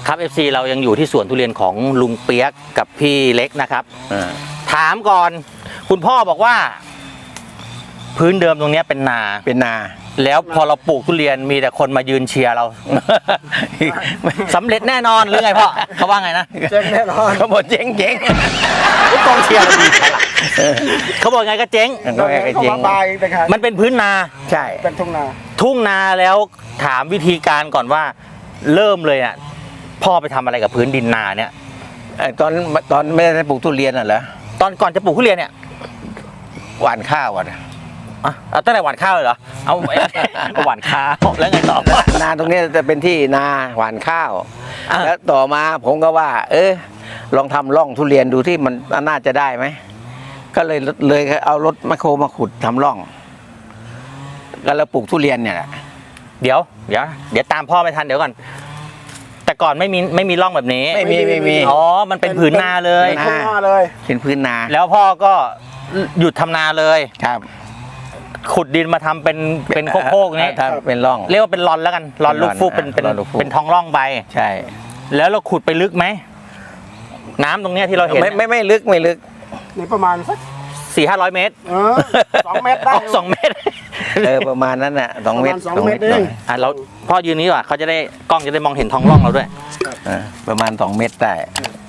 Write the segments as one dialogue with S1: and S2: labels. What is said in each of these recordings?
S1: ครับ FC เรายังอยู่ที่สวนทุเรียนของลุงเปียกกับพี่เล็กนะครับถามก่อนคุณพ่อบอกว่า พื้นเดิมตรงนี้เป็นนาแล้วพอเราปลูกทุเรียนมีแต่คนมายืนเชียร์เรา สำเร็จแน่นอนหรือไงพ่อเขาว่าไงนะ
S2: เจ๊งแน่นอน
S1: เขาบอกเจ๊งกองเชียร์เราดีเขาบอกไงก็เจ๊งมันเป็นพื้นนา
S2: ใช่เป็นทุ่งนา
S1: แล้วถามวิธีการก่อนว่าเริ่มเลยอ่ะพ่อไปทำอะไรกับพื้นดินนาเนี่ย
S3: ตอนไม่ได้ปลูกทุเรียนเหรอ
S1: ตอนก่อนจะปลูกทุเรียนเนี่ย
S3: หว่านข้าว
S1: เอาตั้งแต่หว่านข้าวเลยเหรอเอาหว่านข้าวแล้วไงต่อ
S3: นาตรงนี้จะเป็นที่นาหว่านข้าวแล้วต่อมาผมก็ว่าลองทำร่องทุเรียนดูที่มันน่าจะได้ไหมก็เลยเอารถแมคโครมาขุดทำร่องก็แล้วปลูกทุเรียนเนี่ย
S1: เดี๋ยวตามพ่อไปทันเดี๋ยวก่อนแต่ก่อนไม่มีร่องแบบนี้
S3: ไม่มี
S1: อ๋อมันเป็นผืนนาเลย
S3: เป็นพื้นนา
S1: แล้วพ่อก็หยุดทำนาเลย
S3: ครับ
S1: ขุดดินมาทำเป็นโคกๆนี้
S3: เป็นร่อง
S1: เรียกว่าเป็นรอนแล้วกันรอนลูกฟูกเป็นท้องร่องใบ
S3: ใช่
S1: แล้วเราขุดไปลึกไหมน้ำตรงนี้ที่เราเห็น
S3: ไม่ลึก
S2: นี่ประมาณสัก
S1: 400-500 เมตร
S2: 2 เมตรได้
S1: 2 เมตร
S3: ประมาณนั้นน่ะ2 เมตร
S2: เอง
S1: เราพ่อยืนนี้ว่ะเขาจะได้กล้องจะได้มองเห็นท้องร่องเราด้วย
S3: ประมาณ2 เมตรได้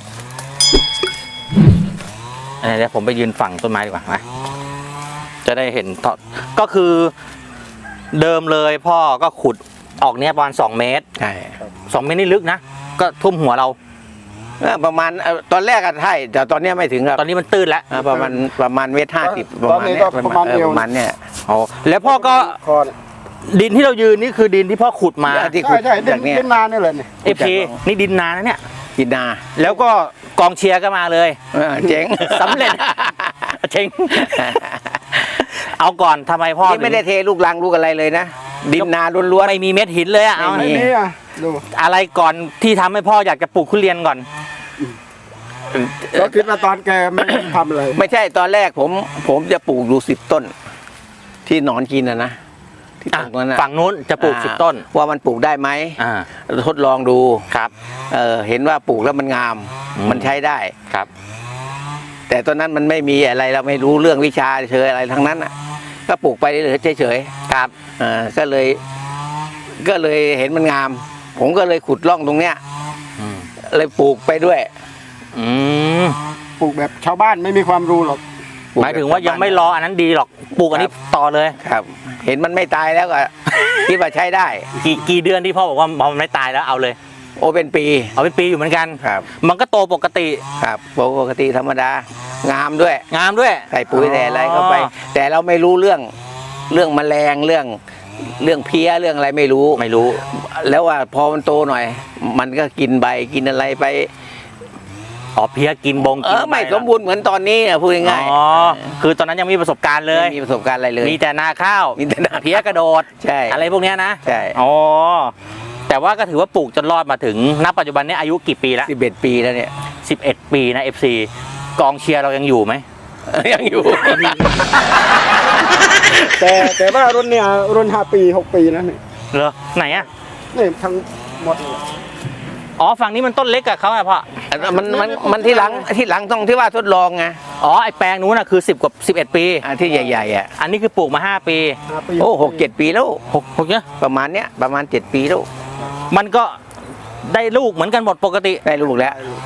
S1: เดี๋ยวผมไปยืนฝั่งต้นไม้ดีกว่าไหมจะได้เห็นก็คือเดิมเลยพ่อก็ขุดออกเนี้ยประมาณ2 เมตร
S3: ใช่
S1: 2 เมตรนี่ลึกนะก็ท่วมหัวเรา
S3: ประมาณตอนแรกใช่แต่ตอนนี้ไม่ถึงครับ
S1: ตอนนี้มันตื้นแล้ว
S3: ประมาณ1.50 ประมาณนี้ประมาณเนี้ย
S1: แล้วพ่อก็ดินที่เรายืนนี่คือดินที่พ่อขุดมา
S2: ใช่ดินนาเนี่ยเลย
S1: นี่พี่นี่ดินนานะเนี่ย
S3: ดินนา
S1: แล้วก็กองเชียร์ก็มาเลย
S3: เจ๋ง
S1: สำเร็จเจ๋งเอาก่อนทำไมพ่อ
S3: ไม่ได้เทลูกรังลูกอะไรเลยนะดินนาล้วน
S1: ๆไม่มีเม็ดหินเลยอ่ะเอา
S2: ไม่มีดู
S1: อะไรก่อนที่ทำให้พ่ออยากจะปลูกทุเรียนก่อน
S2: ก็คิดว่าตอนแกไม่ทำเลย
S3: ไม่ใช่ตอนแรกผมจะปลูกดู10 ต้นที่หนอนกินนะที่ตรงนั้น
S1: ฝั่งนู้นจะปลูก10 ต้น
S3: ว่ามันปลูกได้ไหมทดลองดู
S1: ครับ
S3: เห็นว่าปลูกแล้วมันงามมันใช้ได้
S1: ครับ
S3: แต่ตอนนั้นมันไม่มีอะไรเราไม่รู้เรื่องวิชาเฉยอะไรทั้งนั้นก็ปลูกไปเฉย
S1: ๆครับ
S3: ก็เลยเห็นมันงามผมก็เลยขุดร่องตรงเนี้ยเลยปลูกไปด้วย
S2: ปลูกแบบชาวบ้านไม่มีความรู้หรอก
S1: หมายถึงว่ายังไม่รออันนั้นดีหรอกปลูกอันนี้ต่อเลย
S3: ครับเห็นมันไม่ตายแล้วก็คิดว่าใช้ได้
S1: กี่เดือนที่พ่อบอกว่ามันไม่ตายแล้วเอาเลย
S3: เป็นปี
S1: เป็นปีอยู่เหมือนกัน
S3: ครับ
S1: มันก็โตปกติ
S3: ครับปกติธรรมดางามด้วยใส่ปุ๋ยแต่อะไรเข้าไปแต่เราไม่รู้เรื่องแมลงเรื่องเพี้ยเรื่องอะไรไม่รู้แล้วว่าพอมันโตหน่อยมันก็กินใบกินอะไรไป
S1: เพี้ยกินบงกิน
S3: ไม่สมบูรณ์เหมือนตอนนี้พูดง่าย
S1: ๆคือตอนนั้นยังมีประสบการณ์เลย
S3: มีประสบการณ์อะไรเลย
S1: มีแต่นาข้าว
S3: มีแต่
S1: เพี้ยกระโดด
S3: ใช่
S1: อะไรพวกนี้นะ
S3: ใช่
S1: แต่ว่าก็ถือว่าปลูกจนรอดมาถึงณปัจจุบันนี้อายุกี่ปีแล้ว
S3: 11 ปีแล้วเนี่ย
S1: 11 ปีนะ FC กองเชียร์เรายังอยู่ไหม
S3: ยังอยู่
S2: แต่ว่ารุ่น5 ปี 6 ปีนะเนี่ย
S1: เหรอไหนอ่ะ
S2: นี่ทั้งหมด
S1: ฝั่งนี้มันต้นเล็กกับเขาไงพ่อ
S3: มันที่หลังต้องที่ว่าทดลองไง
S1: ไอแปลงนู้นน่ะคือ10 กว่า 11 ปี
S3: ที่ใหญ่
S1: อันนี้คือปลูกมา5 ปี
S3: 6-7 ปีแล้ว
S1: 6เนี่ย
S3: ประมาณ7 ปีแล้ว
S1: มันก็ได้ลูกเหมือนกันหมดปกติ
S3: ได้ลูก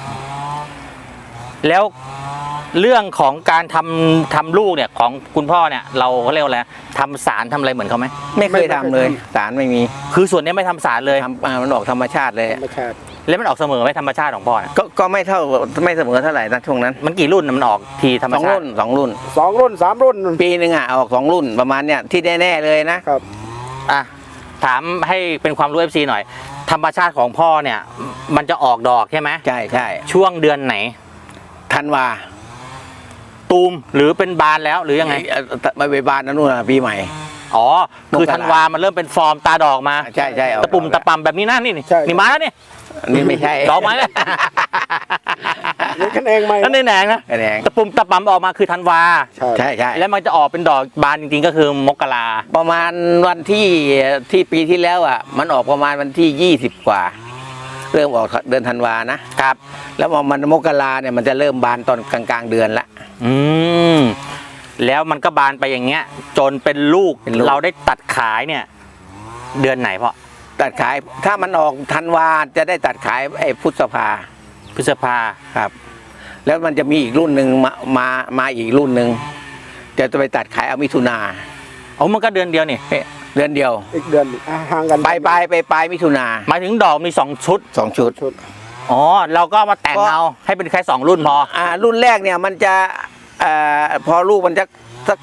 S1: แล้วเรื่องของการทำลูกเนี่ยของคุณพ่อเนี่ยเราเรียกว่าอะไรทำสารทำอะไรเหมือนเขาไหม
S3: ไม่เคยทำเลยสารไม่มี
S1: คือส่วนนี้ไม่ทำสารเลย
S3: มันออกธรรมชาติเลย
S1: แล้วมันออกเสมอไหมธรรมชาติของพ่อ
S3: ก็ไม่เสมอเท่าไหร่นะช่วงนั้น
S1: มันกี่รุ่นมันออกทีธรรมชาติ
S3: 2 รุ่น
S2: 3 รุ่น
S3: ปีนึงออก2 รุ่นประมาณเนี้ยที่แน่ๆเลยนะครับ
S1: ถามให้เป็นความรู้ FC หน่อยธรรมชาติของพ่อเนี่ยมันจะออกดอกใช่ไหม
S3: ใช่
S1: ช่วงเดือนไหน
S3: ธันวา
S1: ตูมหรือเป็นบานแล้วหรือยังไง
S3: ไม่ไปบานนั่นนู่นปีใหม่
S1: คือธันวามันเริ่มเป็นฟอร์มตาดอกมา
S3: ใช่
S1: ตะปุ่มตะปั่มแบบนี้นะนี่มาแล้ว
S3: นี่ไม่ใช่
S1: ดอกไม้
S2: นี่คะแนนใหม่
S1: นั่นแหนงนะตะปุ่มตะปั่มออกมาคือธันวา
S3: ใช่
S1: แล้วมันจะออกเป็นดอกบานจริงๆก็คือมกรา
S3: ประมาณวันที่ปีที่แล้วมันออกประมาณวันที่20 กว่าเริ่มออกเดือนธันวานะครับ แล้วพอมันมกราเนี่ยมันจะเริ่มบานตอนกลางๆเดือนละ
S1: อืมแล้วมันก็บานไปอย่างเงี้ย จนเป็นลูก
S3: เป็นลูก
S1: เราได้ตัดขายเนี่ย เดือนไหนพ่อ
S3: ตัดขายถ้ามันออกธันวาจะได้ตัดขายไอ้พฤษภา
S1: พฤษภา
S3: ครับ แล้วมันจะมีอีกรุ่นหนึ่งมาอีกรุ่นหนึ่งจะไปตัดขายเอามิถุนา
S1: โอ้มันก็เดือนเดียวนี่
S3: เดือนเดียว
S2: อีกเดือนห่างกัน
S3: ปลายมิถุนา
S1: หมายถึงดอกมี2 ชุด
S3: 2 ชุด
S2: ชุด
S1: อ๋อ เราก็เอามาแต่งเอาให้เป็นแค่2 รุ่นพอ
S3: รุ่นแรกเนี่ยมันจะพอลูกมันจะสัก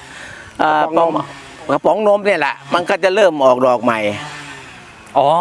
S3: กระป๋องนมเนี่ยแหละมันก็จะเริ่มออกดอกใหม่
S1: อ๋อ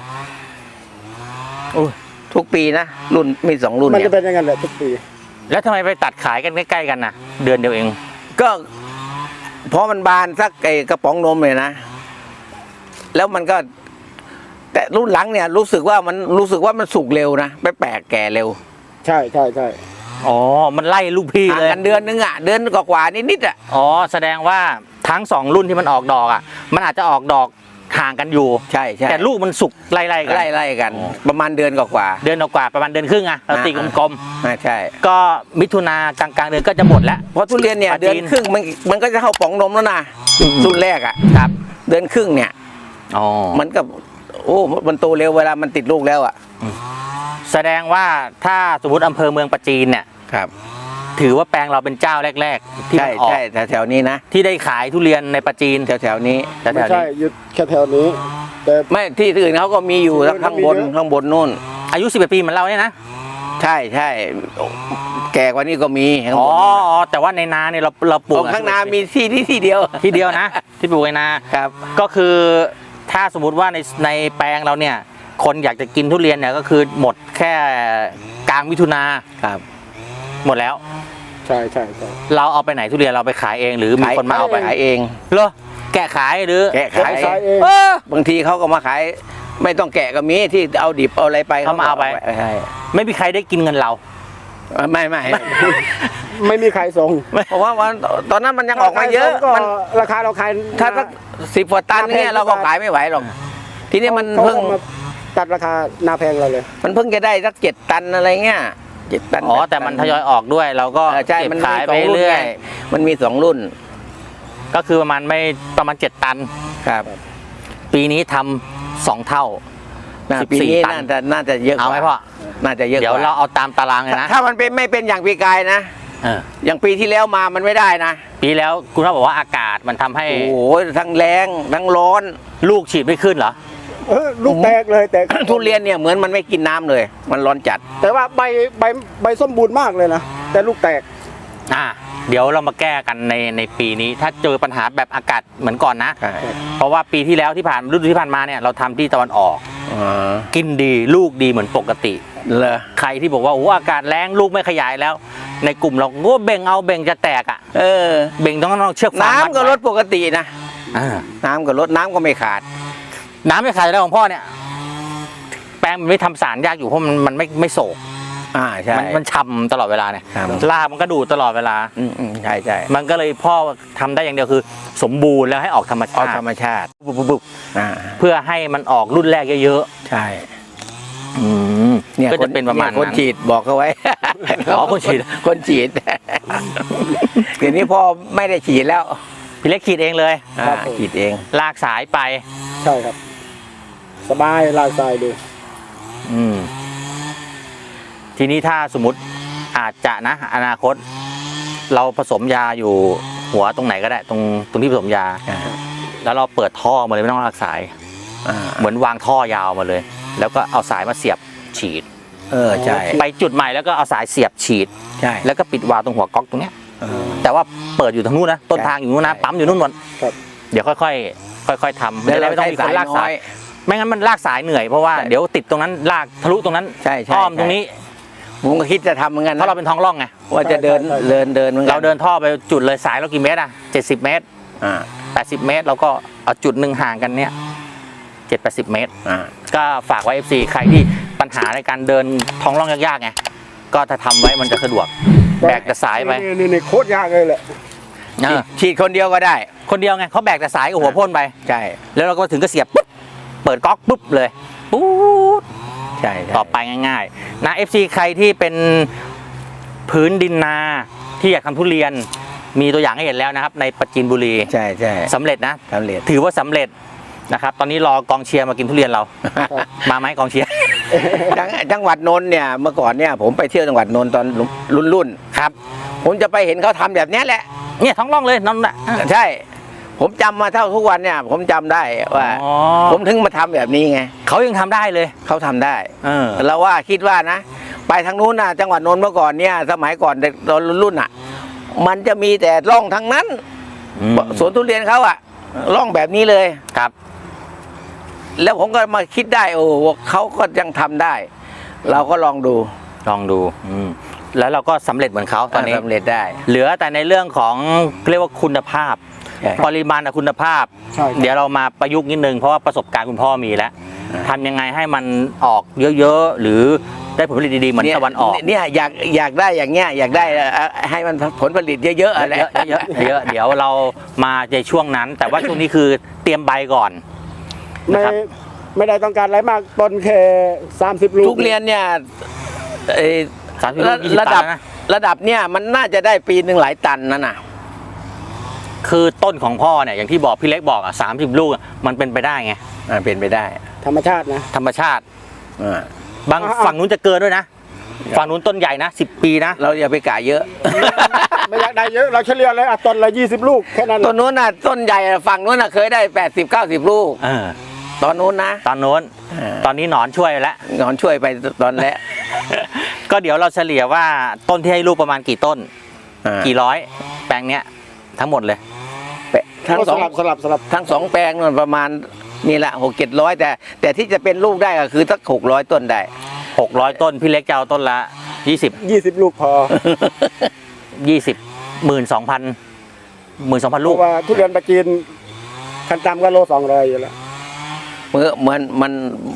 S3: ทุกปีนะรุ่นมี2 รุ่น
S2: มัน
S3: เนี่
S2: จะ
S3: ย
S2: เป็นอย่างนั้นแหละทุกปี
S1: แล้วทำไมไปตัดขายกันใกล้ๆกันนะเดือนเดียวเอง
S3: ก็พอมันบานสักไอ้กระป๋องนมเลยนะ แล้วมันก็ แต่รุ่นหลังเนี่ยรู้สึกว่ามันสุกเร็วนะแปลกแก่เร็ว
S2: ใช่ใช่ใช่
S1: อ๋อ มันไล่ลูกพี่
S3: ห่าง
S1: เลย
S3: กันเดือนนึงเดือนกว่าๆนิดๆ
S1: อ๋อ แสดงว่าทั้ง2 รุ่นที่มันออกดอกอ่ะ มันอาจจะออกดอกห่างกันอยู่
S3: ใช่
S1: แต่ลูกมันสุกไล่ๆกัน
S3: ไล่กัน ประมาณเดือนกว่า
S1: เดือนกว่าประมาณเดือนครึ่งอะเราตีกลม
S3: ๆใช่
S1: ๆก็มิถุนากลางๆเดือนก็จะหมดแล้ว
S3: เพราะทุเรียนเนี่ย
S1: ปลาจีน
S3: เดือนครึ่งมันก็จะเข้าป๋องนมแล้วนะรุ่นแรกครับ เดือนครึ่งเนี่ย
S1: อ๋อ
S3: มันก็มันโตเร็วเวลามันติดลูกแล้ว
S1: แสดงว่าถ้าสมมติอำเภอเมืองปราจีนเนี่ย
S3: ครับ
S1: ถือว่าแปลงเราเป็นเจ้าแรกๆที่
S3: ใช่
S1: มันออก
S3: ใช่แถวๆนี้นะ
S1: ที่ได้ขายทุเรียนในปราจีน
S3: แถวๆนี้
S1: แถ
S2: ไม่
S1: วๆ
S2: ใช่
S1: นี้
S2: หยุดแค่แถวนี้ แต่
S3: ไม่ที่อื่นเขาก็มีอยู่ข้างบน
S2: มีเยอะ
S3: ข้างบนนู่น
S1: อายุ11 ปีเหมือนเราเนี่ยนะ
S3: ใช่แก่กว่านี้ก็มีข้าง
S1: อ๋
S3: บ
S1: อน แต่ว่าในนาเนี่ยเราปลู
S3: ตร
S1: ก
S3: งข้างหน้ามีที่เดียว
S1: ที่เดียวนะ ที่ปลูกในนา
S3: ครับ
S1: ก็คือถ้าสมมุติว่าในแปลงเราเนี่ย คนอยากจะกินทุเรียนเนี่ยก็คือหมดแค่กลางมิถุนา
S3: ครับ
S1: หมดแล้ว
S2: ใช่ใช่ใช่
S1: เราเอาไปไหนทุเรียนเราไปขายเองหรือมีคนมาเอาไป
S3: ขายเอง
S1: เหรอแกะขายหรือ
S3: แกะขาย
S2: ขายเอง
S1: เออบ
S3: างทีเขาก็มาขาย ไม่ต้องแกะก็มีที่เอาดิบเอาอะไรไป
S1: เขามาเอาไป
S3: ใช่
S1: ไม่มีใครได้กินเงินเรา
S3: ไม่
S2: ไม่มีใครส่ง
S3: เพราะว่าตอนนั้นมันยังออกมาเยอะ
S2: ก็
S3: มัน
S2: ราคาเราขาย
S3: ถ้าสัก10 กว่าตันเนี่ยเราก็ขายไม่ไหวหรอกทีนี้มัน
S2: เขา
S3: เพิ่ง
S2: อามาตัดราคานาแพงเราเลย
S3: มันเพิ่งจะได้สัก7 ตันอะไรเงี้ย7 ตัน
S1: อ๋อแต่มันทยอยออกด้วยเราก็
S3: ใช่
S1: เก็บ
S3: มัน
S1: ขายไป
S3: มีสองรุ่น
S1: เรื่อย
S3: ไงมันมี2 รุ่น
S1: ก็คือประมาณ7 ตัน
S3: ครับ
S1: ปีนี้ทำ2 เท่า
S3: ปีนี้
S1: 14 ตัน
S3: น่าจะเยอะก
S1: เอา
S3: ว่า
S1: ไหมพ่อ
S3: น่าจะเยอะก
S1: เดี๋ยว
S3: ว่า
S1: เราเอาตามตารางเลยนะ
S3: ถ้ามันเป็นไม่เป็นอย่างปีกายนะ
S1: เออ
S3: อย่างปีที่แล้วมามันไม่ได้นะ
S1: ปีแล้วคุณพ่อบอกว่าอากาศมันทำให้
S3: โอ้โหทั้งแรงทั้งร้อน
S1: ลูกฉีดไม่ขึ้นเหรอ
S2: ลูกแตกเลยแต่
S3: ทุเรียนเนี่ยเหมือนมันไม่กินน้ำเลย มันร้อนจัด
S2: แต่ว่าใบสมบูรณ์มากเลยนะ แต่ลูกแตก
S1: เดี๋ยวเรามาแก้กันในปีนี้ ถ้าเจอปัญหาแบบอากาศเหมือนก่อนนะ
S3: ใช่
S1: เพราะว่าปีที่แล้วที่ผ่านฤดูที่ผ่านมาเนี่ยเราทำที่ตะวันออก
S3: อ๋อ
S1: กินดีลูกดีเหมือนปกติ
S3: เลย
S1: ใครที่บอกว่าโอ้อากาศแรงลูกไม่ขยายแล้ว ในกลุ่มเราก็เบ่งเอาเบ่งจะแตกอ่ะ เบ่งต้องเชือกฟาง
S3: น้ำก็ลดปกตินะ
S1: อ่า
S3: น้ำก็ลดน้ำก็ไม่ขาด
S1: น้ำไม่ขายแล้วของพ่อเนี่ย แปลงมันไม่ทำสารยากอยู่เพราะมันไม่โศก
S3: ใช่
S1: มันช่ำตลอดเวลาเนี่ย
S3: ครับ
S1: รากมันก็ดูดตลอดเวลา
S3: ใช่ใช่
S1: มันก็เลยพ่อทำได้อย่างเดียวคือ สมบูรณ์แล้วให้ออกธรรม
S3: เอา
S1: ชาติ
S3: ธรรมชาติ
S1: บุบเพื่อให้มันออกรุ่นแรกเยอะ
S3: ใช่
S1: ๆก็จะเป็นประมาณ
S3: คน
S1: นั้น
S3: ฉีดบอกเขาไว้
S1: อ๋อคนฉีด
S3: คนฉีดเดี๋ยวนี้พ่อไม่ได้ฉีดแล้ว
S1: พี่เล็กขีดเองเลย
S2: ครับผม
S3: ฉีดเอง
S1: ลากสายไป
S2: ใช่ครับ สบายลายทรายดู
S1: ทีนี้ถ้าสมมติอาจจะนะอนาคต เราผสมยาอยู่หัวตรงไหนก็ได้ ตรงที่ผสมยา แล้วเราเปิดท่อมาเลยไม่ต้องลากสาย เหมือนวางท่อยาวมาเลย แล้วก็เอาสายมาเสียบฉีด
S3: ใช่
S1: ไปจุดใหม่แล้วก็เอาสายเสียบฉีด
S3: ใช่
S1: แล้วก็ปิดวาล์วตรงหัวก๊อกตรงเนี้ยแต่ว่าเปิดอยู่ทางนู้นนะต้นทางอยู่นู้นนะ
S3: ใช่
S1: ปั๊มอยู่นู้นหมด
S2: ครับ
S1: เดี๋ยวค่อยๆทำมันจะได้ไม่ต้องมีคนลากสาย ไม่งั้นมันลากสายเหนื่อยเพราะว่า
S3: ใช่
S1: เดี๋ยวติดตรงนั้นลากทะลุตรงนั้น
S3: ใช่ใช่
S1: อ้อมตรงนี้
S3: ผมก็คิดจะทำเหมือนกัน
S1: เพราะเราเป็นท้องร่องไง
S3: ว่าจะเดิน
S2: ใช่
S3: เหมือนกัน
S1: เราเดินท่อไปจุดเลยสายเรากี่เมตรอ่ะ70 เมตร 80 เมตรเราก็เอาจุดหนึ่งห่างกันเนี่ย7-80 เมตร ก็ฝากไว้ FC ใครที่ปัญหาในการเดินท้องร่องยากๆไงก็ถ้าทำไว้มันจะสะดวกแบกแต่สายไป
S2: นี่โคตรยากเลยแหละ
S3: ฉีดคนเดียวก็ได้
S1: คนเดียวไงเขาแบกแต่สายกับหัวพ่นไป
S3: ใช่
S1: แล้วเราก็ถึงก็เสียบปุ๊บเปิดก๊อกปุ๊บเลยปุ๊บ
S3: ใช่
S1: ต่อไปง่ายๆนะ FC ใครที่เป็นพื้นดินนาที่อยากทำทุเรียนมีตัวอย่างให้เห็นแล้วนะครับ ในปราจีนบุรี
S3: ใช่ใช่
S1: สำเร็จนะ
S3: สำเร็จ
S1: ถือว่าสำเร็จนะครับ ตอนนี้รอกองเชียร์มากินทุเรียนเรา มาไหมกองเชียร์
S3: จังหวัดนนท์เนี่ยเมื่อก่อนเนี่ยผมไปเที่ยวจังหวัดนนท์ตอนรุ่น
S1: ครับ
S3: ผมจะไปเห็นเขาทำแบบเนี้ยแหละ
S1: เนี่ยท้องร่องเลยนั่นแหละ
S3: ใช่ ผมจำมาเท่าทุกวันเนี่ยผมจำได้ว่า
S1: อ๋อ
S3: ผมถึงมาทำแบบนี้ไง
S1: เขายังทำได้เลย
S3: เขาทำได้
S1: เออ
S3: เราว่าคิดว่านะ ไปทางนู้นน่ะจังหวัดนนท์เมื่อก่อนเนี่ยสมัยก่อนตอนรุ่นอ่ะ มันจะมีแต่ร่องทั้งนั้น
S1: อืม
S3: สวนทุเรียนเขาอ่ะร่องแบบนี้เลย
S1: ครับ
S3: แล้วผมก็มาคิดได้โอ้เขาก็ยังทำได้ เราก็ลองดู
S1: ลองดูแล้วเราก็สำเร็จเหมือนเขาตอนนี้
S3: สำเร็จได้
S1: เหลือแต่ในเรื่องของเรียกว่าคุณภาพ
S3: ใช่
S1: ปริมาณกับคุณภาพ
S2: ใช่ครับ
S1: เดี๋ยวเรามาประยุกต์นิดนึงเพราะว่าประสบการณ์คุณพ่อมีแล้วทำยังไงให้มันออกเยอะๆหรือได้ผลผลิตดีๆเหมือนตะวันออก
S3: เนี่ยอยากได้อย่างเงี้ยอยากได้ให้มันผลผลิตเยอะๆอะไร
S1: เยอะๆเยอะๆเดี๋ยวเรามาในช่วงนั้น แต่ว่าช่วงนี้คือเตรียมใบก่อน
S2: ไม่
S1: นะครับ
S2: ไม่ได้ต้องการอะไรมากต้นแค่30 ลูก
S3: ทุเรียนเนี่ยเอ่อ
S1: 30 ลูก20
S3: ระ
S1: ตั
S3: ดั
S1: น
S3: บ
S1: แล้วนะ
S3: ระดับเนี่ยมันน่าจะได้ปีหนึ่งหลายตันนั่นน่ะ
S1: คือต้นของพ่อเนี่ยอย่างที่บอกพี่เล็กบอกอ่ะ30 ลูกอะมันเป็นไปได้ไง
S3: เป็นไปได้
S2: ธรรมชาตินะ
S1: ธรรมชาติ
S3: อ่า
S1: บางฝั่งนู้นจะเกินด้วยนะ ฝั่งนู้นต้นใหญ่นะ10 ปีนะ
S3: เราอย่าไปกะเยอะ
S2: ไม่อยากได้เยอะเราเฉลี่ยเลยต้นละ20 ลูกแค่นั้น
S3: ต้นนู้นน่ะต้นใหญ่ฝั่งนู้นน่ะเคยได้80-90 ลูก
S1: เออ
S3: ตอนนู้นนะ
S1: ตอนโน้น ตอนนี้หนอนช่วยแล้ว
S3: นอนช่วยไปตอนแล้ว
S1: ก็เดี๋ยวเราเฉลี่ยว่าต้นที่ให้ลูกประมาณกี่ต้น กี่ร้อยแปลงเนี้ยทั้งหมดเลย
S3: ทั้งส
S2: ส
S3: อง
S2: ลับสลับสลับ
S3: ทั้งสองแปลงนั่นประมาณนี่แหละ600-700แต่ที่จะเป็นลูกได้ก็คือสัก600 ต้นได้
S1: 600 ต้นพี่เล็กจะเอาต้นละ20
S2: 20 ลูกพอ
S1: 12,000
S2: เพ
S1: ลูก
S2: ราะว่าทุเรียนปลาจีนขั้นต่ำก็โล200อยู่แล้ว
S3: มัน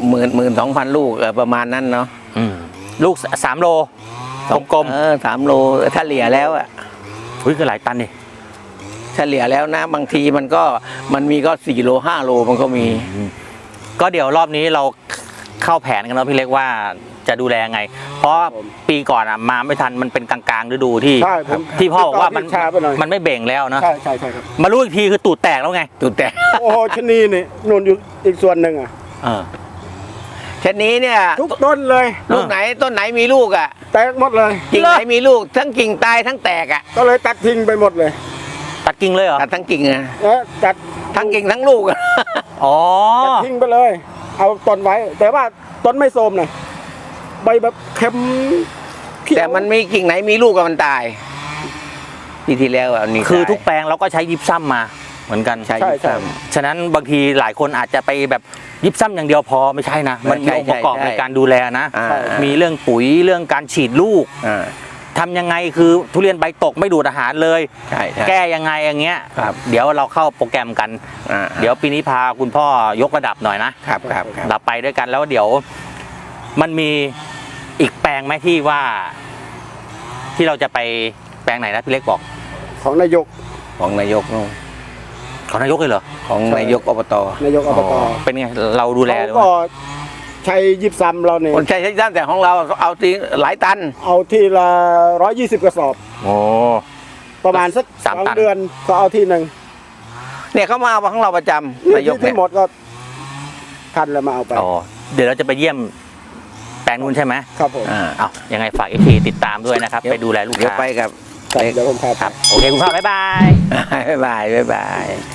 S3: 12,000 ลูกประมาณนั้นเนาะ
S1: ลูก3 โลกลม
S3: 3 โลถ้าเหลี่ยแล้วอะ
S1: ๆอุ้ยก็หลายตันดิ
S3: เฉลี่ยแล้วนะบางทีมันมีก็4 โล 5 โลมันก็มี
S1: ก็เดี๋ยวรอบนี้เราเข้าแผนกันเนาะพี่เล็กว่าจะดูแลไง เพราะปีก่อนมาไม่ทันมันเป็นกลางๆฤดูที่
S2: ใช่ผม
S1: ที่พ่อบอกว่ามัน
S2: ช้าไปหน่อย
S1: มันไม่เบ่งแล้วเนาะ
S2: ใช่ใช่ใช่ครับ
S1: มารู้อีกทีคือตูดแตกแล้วไง
S3: ตุแต่
S2: โอ้โหชะนีนี่นุ่นอยู่อีกส่วนหนึ่งอ่ะ
S1: เออ
S3: ชนนี้เนี่ย
S2: ทุกต้นเลย
S3: ลูกไหนต้นไหนมีลูกอ่ะ
S2: แตกหมดเลย
S3: กิ่งไหนมีลูกทั้งกิ่งตายทั้งแตกอ่ะ
S2: ก็เลยตัดทิ้งไปหมดเลย
S1: ตัดกิ่งเลยเหรอ
S3: ตัดทั้งกิ่งอะ
S2: ตัด
S3: ทั้งกิ่งทั้งลูกอะ
S1: อ๋อ
S2: ตัดทิ้งไปเลย เอาต้นไว้ แต่ว่าต้นไม่โทรมนะใบแบบเค็มเขียว
S3: แต่มันมีกิ่งไหนมีลูกก็มันตายปีที่แล้วอันนี้
S1: คือทุก
S3: ตาย
S1: แปลงเราก็ใช้ยิปซัมมาเหมือนกัน
S3: ใช่
S2: ใช่ใช่
S1: ฉะนั้นบางทีหลายคนอาจจะไปแบบยิปซัมอย่างเดียวพอไม่ใช่นะ มันมี
S3: ใช่
S1: องค์ประกอบ
S3: ใช่
S1: ในการดูแลนะ
S3: อ่า
S1: มีเรื่องปุ๋ยเรื่องการฉีดลูก
S3: อ่า
S1: ทำยังไงคือทุเรียนใบตกไม่ดูดอาหารเลย
S3: ใช่ใช่
S1: แก้ยังไงอย่างเงี้ย
S3: ครับ
S1: เดี๋ยวเราเข้าโปรแกรมกัน
S3: อ่า
S1: เดี๋ยวปีนี้พาคุณพ่อยกระดับหน่อยนะครับ
S3: ครับ
S1: เราไปด้วยกันแล้วเดี๋ยวมันมีอีกแปลงไหมที่ว่า ที่เราจะไปแปลงไหนนะพี่เล็กบอก
S2: ของนายก
S3: ของนายกนู่น
S1: ของนายกเลยเหรอ
S3: ของนายกอบต
S2: นายกอบต
S1: เป็นไงเราดูแล
S2: เขา
S1: หรือ
S2: ก็
S1: ว่า
S2: ใช้ยิบซ้ำเราเนี่ย
S3: คนใช้ด้านแต่ของเราเอาทีหลายตัน
S2: เอาทีละ120 กระสอบ
S1: โอ้
S2: ประมาณสัก
S1: 3 ตัน
S2: 2 เดือนก็เอาทีหนึ่ง
S3: เนี่ยเขามาเอาของเราประจำนายก
S2: ที่
S3: เนี่ย
S2: หมดก็ทันแล้วมาเอาไป
S1: อ๋อเดี๋ยวเราจะไปเยี่ยมแปลงนู้นใช่ไหม
S2: ครับผม
S1: เอายังไงฝาก FP ติดตามด้วยนะครับ ไปดูแลลูก
S3: เดี๋ยว
S1: ค้า
S3: ไปกับ
S2: ครับเดี๋ยวผมพาไป
S1: ครับโอเคคุณพ่อบ๊ายบาย
S3: บ๊ายบายบ๊ายบาย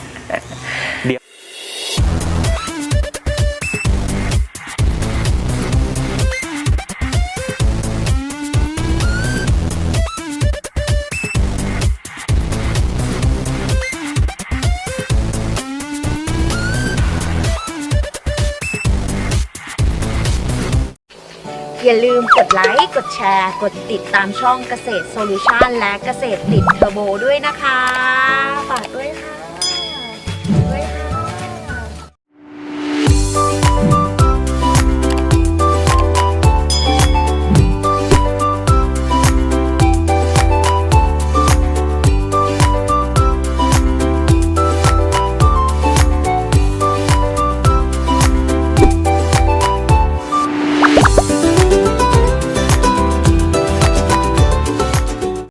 S4: อย่าลืมกดไลค์ กดแชร์ กดติดตามช่องเกษตรโซลูชันและเกษตรติดเทอร์โบด้วยนะคะ ฝากด้วยค่ะ